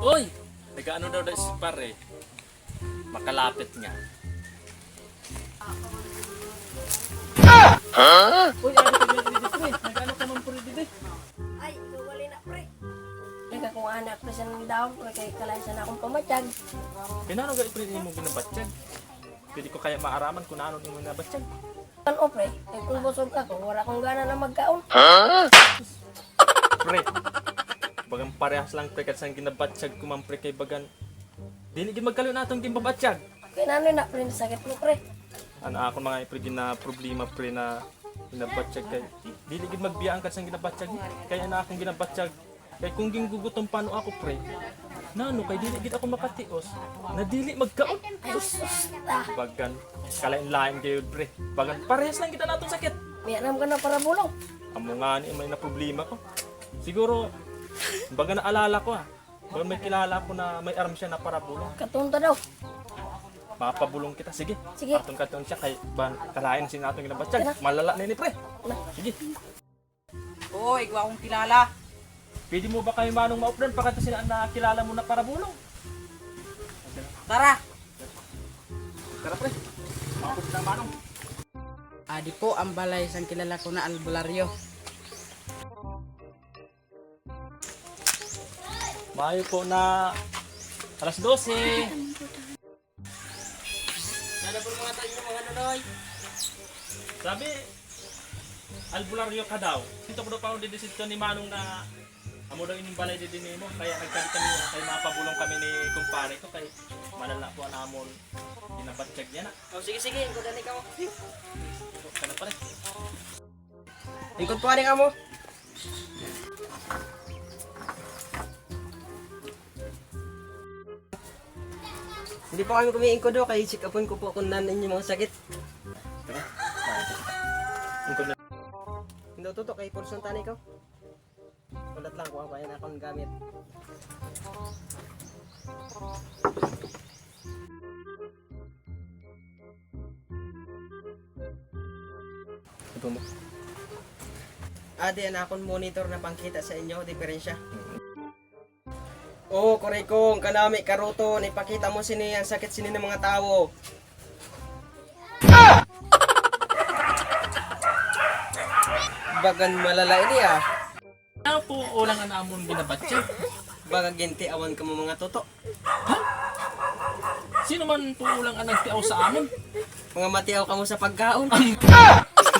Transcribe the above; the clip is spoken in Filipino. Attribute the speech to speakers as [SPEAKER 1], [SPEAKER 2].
[SPEAKER 1] Uy! Nag-ano daw si pare? Makalapit nga. Uy, ano ka dito pre? Nag-ano ka man pre dito?
[SPEAKER 2] Ay, gawali na pre. Teka kung anak pre siya ng daon pre kay kalaysa na akong pamatsyag.
[SPEAKER 1] Kinano ga pre mo binabatsyag? Pwede ko kaya maaraman kung ano mo binabatsyag.
[SPEAKER 2] Ano pre? Kay kung busog ako, wala akong gana na magkaon.
[SPEAKER 1] Pre, bagang parehas lang pre kasi ang ginabatsyag ko man pre kay bagan. Dili gid magkalo na atong ginabatsyag.
[SPEAKER 2] Kaya nanoy na pre, sakit mo pre.
[SPEAKER 1] Ano ako mga pre na problema pre na ginabatsyag kay dili gid magbiyaan kasi ang ginabatsyag kaya na akong ginabatsyag. Kay kung ginggugutom paano ako pre, nano kay dili gid ako makatios, na dili magkaon.
[SPEAKER 2] Ay sus,
[SPEAKER 1] Bagan, kalain-lain kayo pre. Bagan, parehas lang kita natong sakit.
[SPEAKER 2] may alam ka na para bulong.
[SPEAKER 1] Amo nga ni may na problema ko. Siguro, baga naalala ko Baga may kilala ko na may arm siya na para bulong.
[SPEAKER 2] Katunta daw.
[SPEAKER 1] Mapabulong kita, sige.
[SPEAKER 2] Sige.
[SPEAKER 1] Katon siya kay kalain sin atong ginabatsyag. Malala na ni pre. Sige.
[SPEAKER 3] Oo, ikaw akong kilala.
[SPEAKER 1] Pwede mo ba kayo manong ma-upload pagkata sila na kilala mo na para bulong?
[SPEAKER 3] Tara!
[SPEAKER 1] Tara pre. Makapot na manong.
[SPEAKER 3] Adi po ang balay sang kilala ko na albularyo.
[SPEAKER 1] Mayo po na alas 12.
[SPEAKER 3] Nada po mga tayo mga nanoy.
[SPEAKER 1] Sabi, albularyo ka daw. Ito ko daw pa ako didesisyon ni Manong na amo daw ining balay din mo. Kaya nagkalit kami kay mapabulong kami ni kumpare ko kay malala po namon ginabatsyag niya na.
[SPEAKER 3] Oh, sige, sige. Ikaw dani ka mo.
[SPEAKER 1] Kana pa rin.
[SPEAKER 3] Ikot po ka mo. Hindi po kami kumiingko do kay check upon ko po kung nan inyo mga sakit.
[SPEAKER 1] Ungkol na.
[SPEAKER 3] Hindi tutok kay porson tani ko. Ulat lang ko ba yan akong gamit.
[SPEAKER 1] Ito mo.
[SPEAKER 3] Adi na akong monitor na pangkita sa inyo diferensya. Oo, korekong kanami karuto ipakita mo sini ang sakit sini ng mga tao. Bagan malala ini
[SPEAKER 1] Ano po ulang ang namon ginabatsyag?
[SPEAKER 3] Baga genti awan ka mo mga toto.
[SPEAKER 1] Sino man po ulang ang nagtiaw sa amon?
[SPEAKER 3] Mga matiaw ka mo sa pagkaon.